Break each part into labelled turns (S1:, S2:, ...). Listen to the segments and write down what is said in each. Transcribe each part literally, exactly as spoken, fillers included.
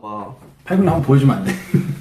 S1: 와.
S2: 팔근육 한번 보여주면 안 돼?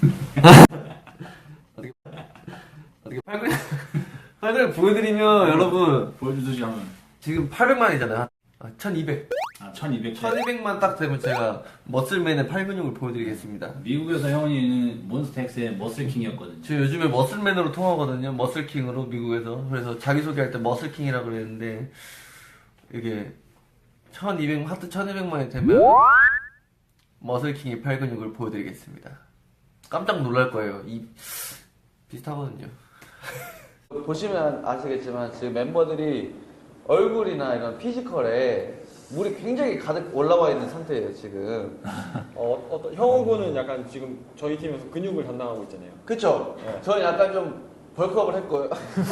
S1: 어떻게 어떻게 팔근육 팔근육 보여드리면 여러분
S2: 보여주듯이 하면
S1: 지금 팔백만이잖아요. 아, 천이백.
S2: 아 천이백.
S1: 천이백만 딱 되면 제가 머슬맨의 팔근육을 보여드리겠습니다.
S2: 미국에서 형원이는 몬스타엑스의 머슬킹이었거든요.
S1: 저 요즘에 머슬맨으로 통하거든요. 머슬킹으로 미국에서. 그래서 자기소개할 때 머슬킹이라고 그랬는데 이게 천이백 하트 천이백만이 되면 머슬킹의 팔근육을 보여드리겠습니다. 깜짝 놀랄 거예요. 이 비슷하거든요. 보시면 아시겠지만 지금 멤버들이 얼굴이나 이런 피지컬에 물이 굉장히 가득 올라와 있는 상태예요 지금.
S3: 어, 어떤 형우 군은 약간 지금 저희 팀에서 근육을 담당하고 있잖아요.
S1: 그쵸?
S3: 네.
S1: 저는 약간 좀 벌크업을 했고요.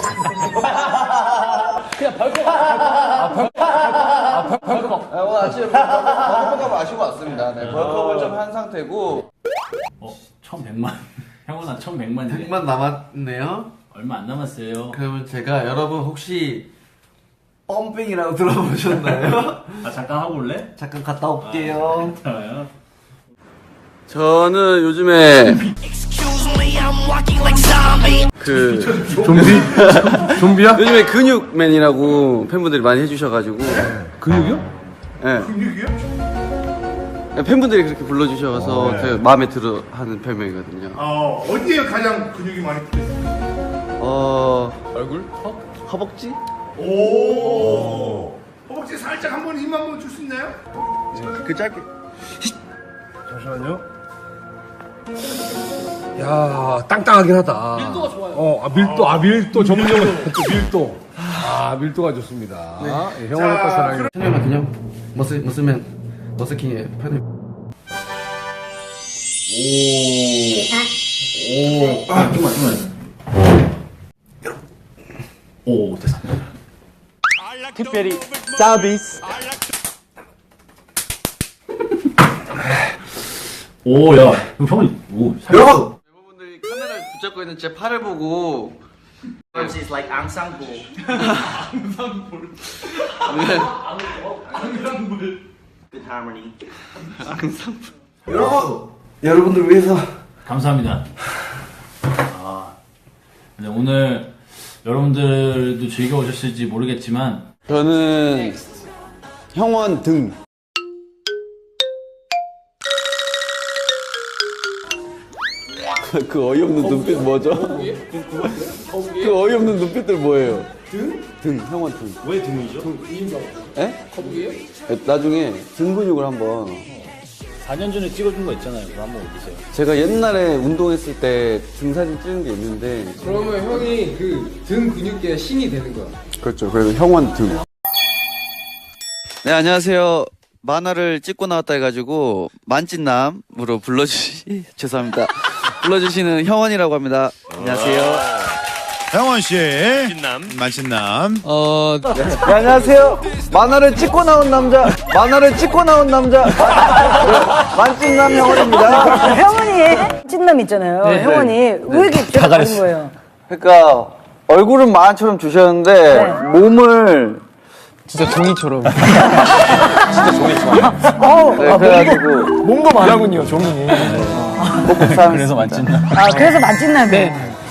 S4: 그냥 벌컥. 아, 벌컥. 아, 벌컥. 벌컥.
S1: 아, 오늘 아침에 벌크업을 마시고 왔습니다. 네, 벌크업을 좀 한 상태고.
S2: 어? 천백만. 형원아 천백만이네.
S1: 백만 남았네요.
S2: 얼마 안 남았어요.
S1: 그러면 제가 여러분 혹시 펌핑이라고 들어보셨나요?
S2: 아 잠깐 하고 올래?
S1: 잠깐 갔다 올게요.
S2: 좋아요.
S1: 저는 요즘에 그
S5: 좀비? 좀비야?
S1: 요즘에 근육맨이라고 팬분들이 많이 해주셔가지고.
S5: 근육이요?
S1: 네.
S5: 근육이요?
S1: 팬분들이 그렇게 불러주셔서 어, 네. 제가 마음에 들어 하는 별명이거든요.
S5: 어, 어디에 가장 근육이 많이 붙어있어요?
S1: 어,
S4: 얼굴? 허?
S1: 허벅지?
S5: 오. 허벅지 살짝 한번 힘 한번 줄 수 있나요?
S1: 그 짧게.
S5: 잠시만요. 야, 땅땅하긴 하다.
S4: 밀도가 좋아요.
S5: 어, 아, 밀도, 아, 밀도 전문용어. 밀도. 아, 밀도가 좋습니다. 네. 형원의 거 사랑해.
S1: 천연만 그냥 머슬, 머슬맨, 머슬킹의 팬을.
S2: 오. 아 좀만 좀만. 오 됐어.
S4: 특별히 서비스.
S2: 오 야. 그럼 형이 오.
S1: 여러분! 멤버분들이 카메라를 붙잡고 있는 제 팔을 보고.
S4: It's like 앙상블. Good harmony.
S1: 여러분! 여러분들 위해서.
S2: 감사합니다. 아, 근데 오늘 여러분들도 즐거우셨을지 모르겠지만
S1: 저는 형원 등. 그 어이없는 눈빛 뭐죠? 그 어이없는 눈빛들 뭐예요? 등? 등, 형원 등.
S3: 왜 등이죠?
S1: 에? 거북이에요? 나중에 등 근육을 한번.
S2: 사 년 전에 찍어준 거 있잖아요. 그거 한번 올리세요.
S1: 제가 옛날에 운동했을 때 등 사진 찍은 게 있는데.
S6: 그러면 형이 그 등 근육계의 신이 되는 거야.
S1: 그렇죠. 그래서 형원 등. 네, 안녕하세요. 만화를 찍고 나왔다 해가지고 만찢남으로 불러주시 죄송합니다. 불러주시는 형원이라고 합니다. 안녕하세요.
S5: 형원 씨. 만신남. 만신남.
S6: 어,
S1: 네, 안녕하세요. 만화를 찍고 나온 남자, 만화를 찍고 나온 남자, 네, 만찢남 형원입니다.
S7: 형원이 찐남 있잖아요.
S1: 네,
S7: 형원이
S1: 네.
S7: 왜 이렇게 다 가린 거예요?
S1: 그러니까 얼굴은 만화처럼 주셨는데
S7: 네.
S1: 몸을
S6: 진짜 종이처럼.
S7: 어우,
S1: 네, 그래가지고
S6: 몸도 많아군요, 종이.
S1: 꼭 감사합니다.
S2: 그래서 만찢남.
S7: 아, 그래서 만찐남이에요.